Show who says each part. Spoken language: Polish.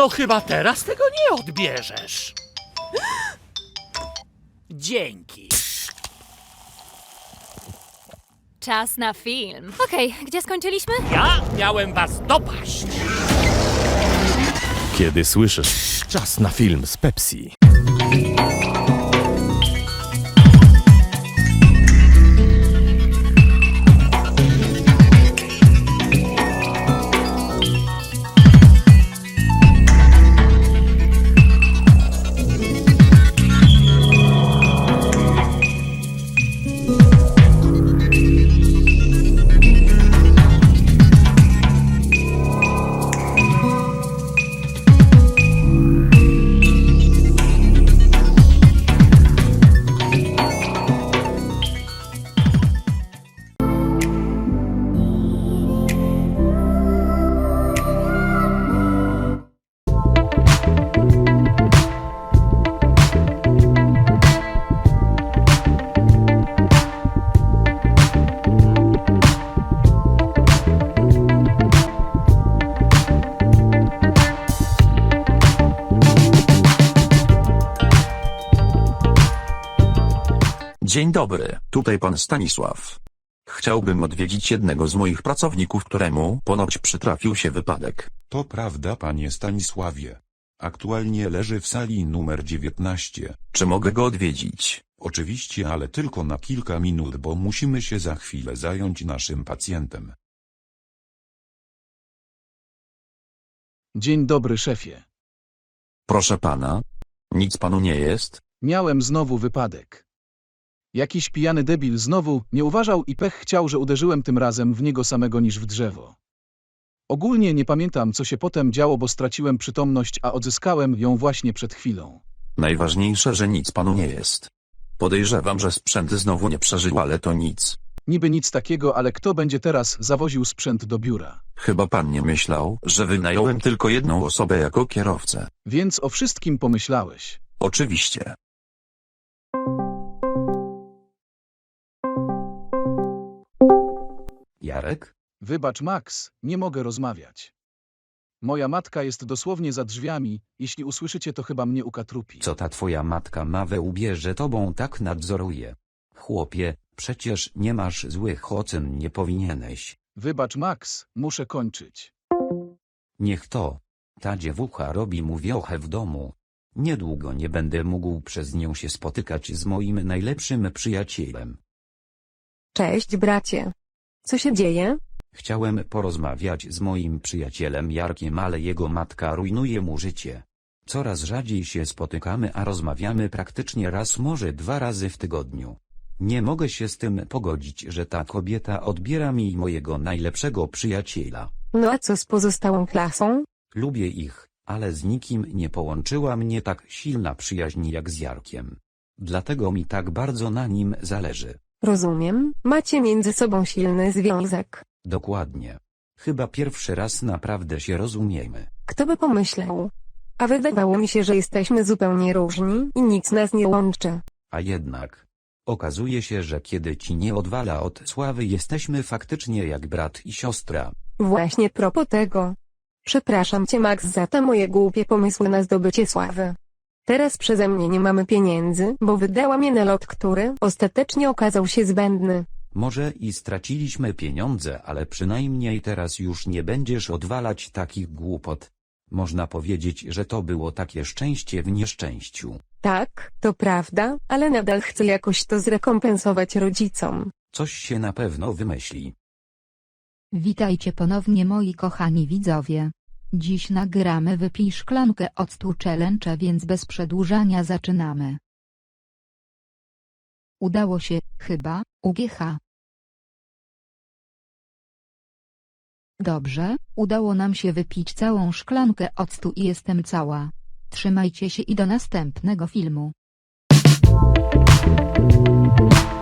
Speaker 1: No chyba teraz tego nie odbierzesz. Dzięki.
Speaker 2: Czas na film. Okej, gdzie skończyliśmy?
Speaker 1: Ja miałem was dopaść.
Speaker 3: Kiedy słyszysz czas na film z Pepsi.
Speaker 4: Dzień dobry, tutaj pan Stanisław. Chciałbym odwiedzić jednego z moich pracowników, któremu ponoć przytrafił się wypadek.
Speaker 5: To prawda, panie Stanisławie. Aktualnie leży w sali numer 19.
Speaker 4: Czy mogę go odwiedzić?
Speaker 5: Oczywiście, ale tylko na kilka minut, bo musimy się za chwilę zająć naszym pacjentem.
Speaker 6: Dzień dobry, szefie.
Speaker 4: Proszę pana. Nic panu nie jest?
Speaker 6: Miałem znowu wypadek. Jakiś pijany debil znowu nie uważał i pech chciał, że uderzyłem tym razem w niego samego niż w drzewo. Ogólnie nie pamiętam, co się potem działo, bo straciłem przytomność, a odzyskałem ją właśnie przed chwilą.
Speaker 4: Najważniejsze, że nic panu nie jest. Podejrzewam, że sprzęt znowu nie przeżył, ale to nic.
Speaker 6: Niby nic takiego, ale kto będzie teraz zawoził sprzęt do biura?
Speaker 4: Chyba pan nie myślał, że wynająłem tylko jedną osobę jako kierowcę.
Speaker 6: Więc o wszystkim pomyślałeś.
Speaker 4: Oczywiście.
Speaker 7: Jarek?
Speaker 6: Wybacz, Max, nie mogę rozmawiać. Moja matka jest dosłownie za drzwiami, jeśli usłyszycie, to chyba mnie ukatrupi.
Speaker 7: Co ta twoja matka ma we łbie, że tobą tak nadzoruje? Chłopie, przecież nie masz złych ocen, nie powinieneś.
Speaker 6: Wybacz, Max, muszę kończyć.
Speaker 7: Niech to. Ta dziewucha robi mu wiochę w domu. Niedługo nie będę mógł przez nią się spotykać z moim najlepszym przyjacielem.
Speaker 8: Cześć, bracie. Co się dzieje?
Speaker 7: Chciałem porozmawiać z moim przyjacielem Jarkiem, ale jego matka rujnuje mu życie. Coraz rzadziej się spotykamy, a rozmawiamy praktycznie raz, może 2 razy w tygodniu. Nie mogę się z tym pogodzić, że ta kobieta odbiera mi mojego najlepszego przyjaciela.
Speaker 8: No a co z pozostałą klasą?
Speaker 7: Lubię ich, ale z nikim nie połączyła mnie tak silna przyjaźń jak z Jarkiem. Dlatego mi tak bardzo na nim zależy.
Speaker 8: Rozumiem, macie między sobą silny związek.
Speaker 7: Dokładnie. Chyba pierwszy raz naprawdę się rozumiemy.
Speaker 8: Kto by pomyślał? A wydawało mi się, że jesteśmy zupełnie różni i nic nas nie łączy.
Speaker 7: A jednak. Okazuje się, że kiedy ci nie odwala od sławy, jesteśmy faktycznie jak brat i siostra.
Speaker 8: Właśnie propos tego. Przepraszam cię, Max, za te moje głupie pomysły na zdobycie sławy. Teraz przeze mnie nie mamy pieniędzy, bo wydałam je na lot, który ostatecznie okazał się zbędny.
Speaker 7: Może i straciliśmy pieniądze, ale przynajmniej teraz już nie będziesz odwalać takich głupot. Można powiedzieć, że to było takie szczęście w nieszczęściu.
Speaker 8: Tak, to prawda, ale nadal chcę jakoś to zrekompensować rodzicom.
Speaker 7: Coś się na pewno wymyśli.
Speaker 9: Witajcie ponownie, moi kochani widzowie. Dziś nagramy Wypij szklankę octu challenge, więc bez przedłużania zaczynamy. Udało się, chyba, UGH. Dobrze, udało nam się wypić całą szklankę octu i jestem cała. Trzymajcie się i do następnego filmu.